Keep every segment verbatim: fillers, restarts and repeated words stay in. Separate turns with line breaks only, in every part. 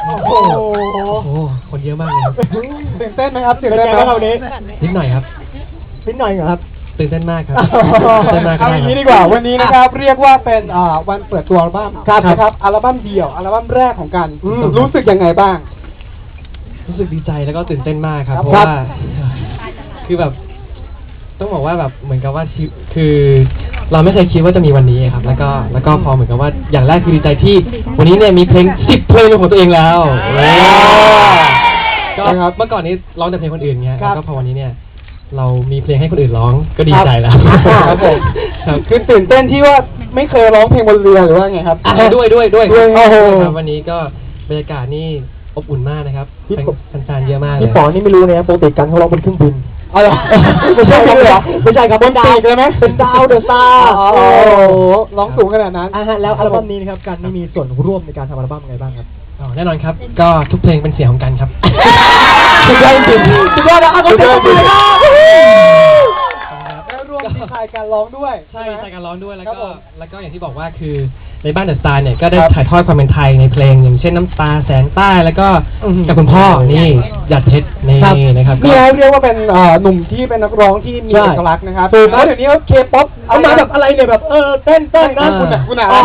โอ้โหโอ้โหคนเยอะมากเลยครับ
ตื่นเต้นไหมครับตื่นเต้นไหมครับวันนี้
นิดหน่อยครับ
นิดหน่อยเหรอครับ
ตื่นเต้นมากครับตื่นเต้นมาก
เอาอย่างนี้ดีกว่าวันนี้นะครับเรียกว่าเป็นอ่าวันเปิดตัวอัลบั้มนะครับอัลบั้มเดี่ยวอัลบั้มแรกของกันรู้สึกยังไงบ้าง
รู้สึกดีใจแล้วก็ตื่นเต้นมากครับ
ครับ
เพราะว่าคือแบบต้องบอกว่าแบบเหมือนกับว่าชีคือ เราไม่เคยคิดว่าจะมีวันนี้ครับ แล้วก็แล้วก็พอเหมือนกับว่าอย่างแรกคือดีใจที่วันนี้เนี่ยมีเพลงสิบเพลงเป็นของตัวเองแล้วก็เมื่อก่อนนี้ร้องแต่เพลงคนอื่นเงี้ยแล้วก็พอวันนี้เนี่ยเรามีเพลงให้คนอื่นร้องก็ดีใจแล้ว
ครับผมคือตื่นเต้นที่ว่าไม่เคยร้องเพลงบนเรือหรือว่าไงครับ
ด้วยด้วยด้วย
โอ้โห
ครับวันนี้ก็บรรยากาศนี่อบอุ่นมากนะครับแฟนๆเยอะมากเลย
พี่ป๋อนี่ไม่รู้เลยนะปกติกันเขาร้องบนเครื่องบินอ๋อเหรอไม่ใช่ครับเหรอไม่ใช่ครับบนปีกเลยไหมเป็นดาวเดอะสตาร์โอ้โหร้องสูงขนาดนั้นอ่าฮะแล้วอัลบั้มนี้นะครับกันนี่มีส่วนร่วมในการทำอัลบั้มไงบ้างครับ
อ๋อแน่นอนครับก็ทุกเพลงเป็นเสียงของกันครับ
สุดยอดจริงสุดยอดนะสุดยอดจริงแล้วรวมดีไซน์การร้องด้วย
ใช่ดีไซน์การร้องด้วยแล้วก็แล้วก็อย่างที่บอกว่าคือในบ้านเดอะสตาร์เนี่ยก็ได้ถ่ายทอดความเป็นไทยในเพลงอย่างเช่นน้ำตาแสงใต้แล้วก็กับคุณพ่อนี่หยัดเพชรนี่นะครับ
นี่เรียกว่าเป็นหนุ่มที่เป็นนักร้องที่มีเอกลักษณ์นะครับแล้วเดี๋ยวนี้เคป๊อปเอามาแบบอะไรเนี่ยแบบเออเต้นเต้นนะคุณอ่ะคุณอ่ะ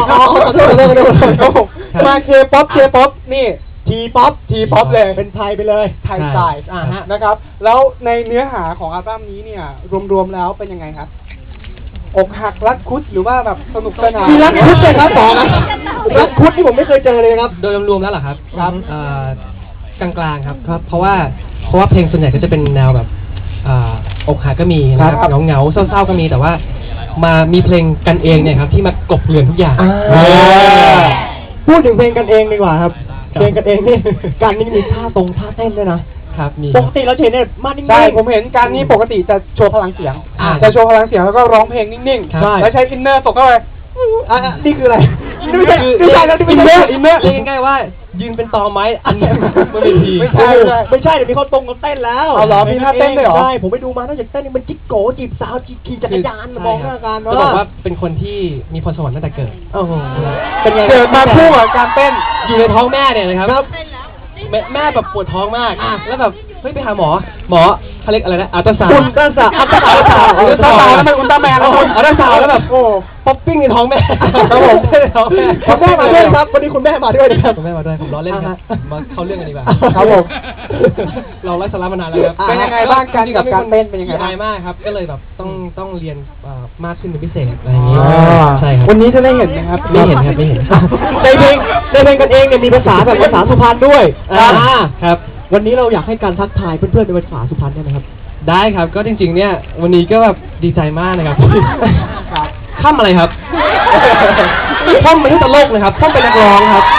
มาเคป๊อปเคป๊อปนี่ทีป๊อปทีป๊อปเลยเป็นไทยไปเลยไทยสไตล์อ่าฮะนะครับแล้วในเนื้อหาของอัลบั้มนี้เนี่ยรวมๆแล้วเป็นยังไงครับอกหักรักคุดหรือว่าแบบสนุกสนานมีรักคุดเลยครับป๋อนะรักคุดที่ผมไม่เคยเจอเลยครับ
โดยรวมๆแล้วเหรอครับครับกลางๆครับครับเพราะว่าเพราะว่าเพลงส่วนใหญ่ก็จะเป็นแนวแบบอกหักก็มีนะครับเงาเงาเศร้าๆก็มีแต่ว่ามามีเพลงกันเองเนี่ยครับที่มากบเกลื่อนทุกอย่าง
พูดถึงเพลงกันเองดีกว่าครับเพลงกันเองนี่การนี่มีท่าตรงท่าเต้นด้วยนะครับปกติเราเห็นเนี่ยมานิ่งๆใช่ผมเห็นการนี้ปกติจะโชว์พลังเสียงจะโชว์พลังเสียงแล้วก็ร้องเพลงนิ่งๆแล้วใช้อินเนอร์ตกเข้าไปอ่ะนี่คืออะไรไม่ใช่ไม่ใช่แล้วนี่อินเนอร์อินเนอร์
เรียกง่ายๆว่ายืนเป็นตอไม้อันนี้ไม่เป็นที
ไม่ใช่ไม่ใช่เดี๋ยวมีเขาตรงกันเต้นแล้วเอาเหรอมีท่าเต้นด้วยเหรอใช่ผมไปดูมานอกจากเต้นนี่มันจิ๊กโกจีบสาวขี่จักรยานมองหน้ากัน
ก็บอกว่าเป็นคนที่มีพรสวรรค์ตั้งแต่เกิด
โอ้โหเป็นไงเกิดมาคู่กับการเต้น
อยู่ในท้องแม่เนี่ยนะครับแม่แม่แบบปวดท้องมากแล้วแบบเฮ้ยไปหาหมอหมอเขาเรียกอะไรนะอัลตราซาวด์
อุลตราซาวด์อัลตราซาวด์อัลตราซาวด์แล้วมันอุลตร้าแมนแล้ว
อัลตราซาวด์แล้วแบบโอ้ป๊อปปิ้งในท้องแม่
ครับผมในท้องแม่คุณแม่มาด้วยครับวันนี้คุณแม่มาด้วยนะครับ
คุณแม่มาด้วยผมล้อเล่นครับมาเข้าเรื่องกันดีกว่า
ครับผม
เราไล่สาระมานานแล้วครับ
เป็นยังไงบ้างการกับการเต้นเป็นยังไง
บ้างมากครับก็เลยแบบต้องต้องเรียนมากขึ้นเป็นพิเศษอะไรอย่างนี้ใช่ครับ
วันนี้จะได้เห็นนะครับ
ไม่เห็นครับไม่เห็น
ในเพลงในเพลงกันเองเนี่ยมีภาษาแบบภาษาสุพรรณด้วย
ครับ
วันนี้เราอยากให้การทักทายเพื่อนๆในภาษาสุพรรณได้ไหมครับ
ได้ครับก็จริงๆเนี่ยวันนี้ก็แบบดีใจมากนะครับข้ามอะไรครับข้ามเป็นตลกนะครับข้ามเป็นนักร้องครับ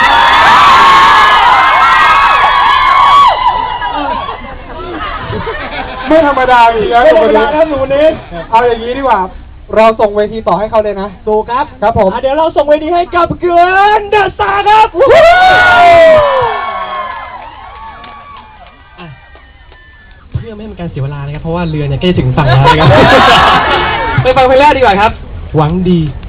ไม่ธรรมดาอีกแล้วไม่ธรรมดาครับหนูนี้เอาอย่างนี้ดีกว่าเราส่งเวทีต่อให้เขาเลยนะถูกครับครับผมเดี๋ยวเราส่งเวทีให้กับเกลือนเดอะสตาร์ครับ
เพื่อไม่ให้เป็นการเสียเวลานะครับเพราะว่าเรือเนี่ยใกล้ถึงฝั่งแล้วนะครับไปฟังเพลงแรกดีกว่าครับหวังดี